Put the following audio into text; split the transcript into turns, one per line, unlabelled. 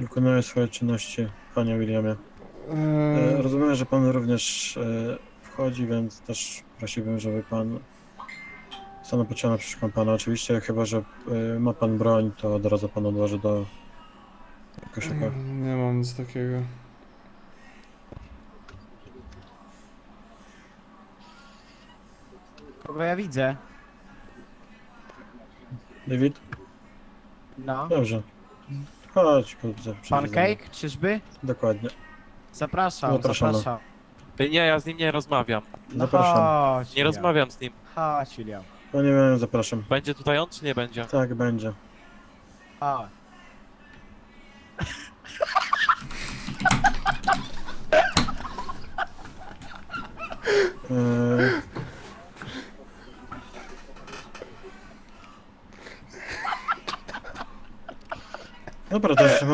Wykonuję swoje czynności, panie Williamie. Rozumiem, że pan również wchodzi, więc też prosiłbym, żeby pan stanął pod ścianą, przeszukam pana. Oczywiście, chyba że ma pan broń, to od razu pan odłoży do koszyka.
Nie mam nic takiego.
Kogo ja widzę?
David?
No.
Dobrze. Chodź, kurczę, przyjdź ze mną.
Pancake, czyżby?
Dokładnie.
Zapraszam,
Zapraszamy.
zapraszam.
Nie, ja z nim nie rozmawiam.
No
Zapraszam.
chodź,
Nie
William.
rozmawiam z nim.
Chodź, William.
Panie Williamie, zapraszam.
Będzie tutaj on, czy nie będzie?
Tak, będzie.
Chodź.
Eee... Dobra, to jeszcze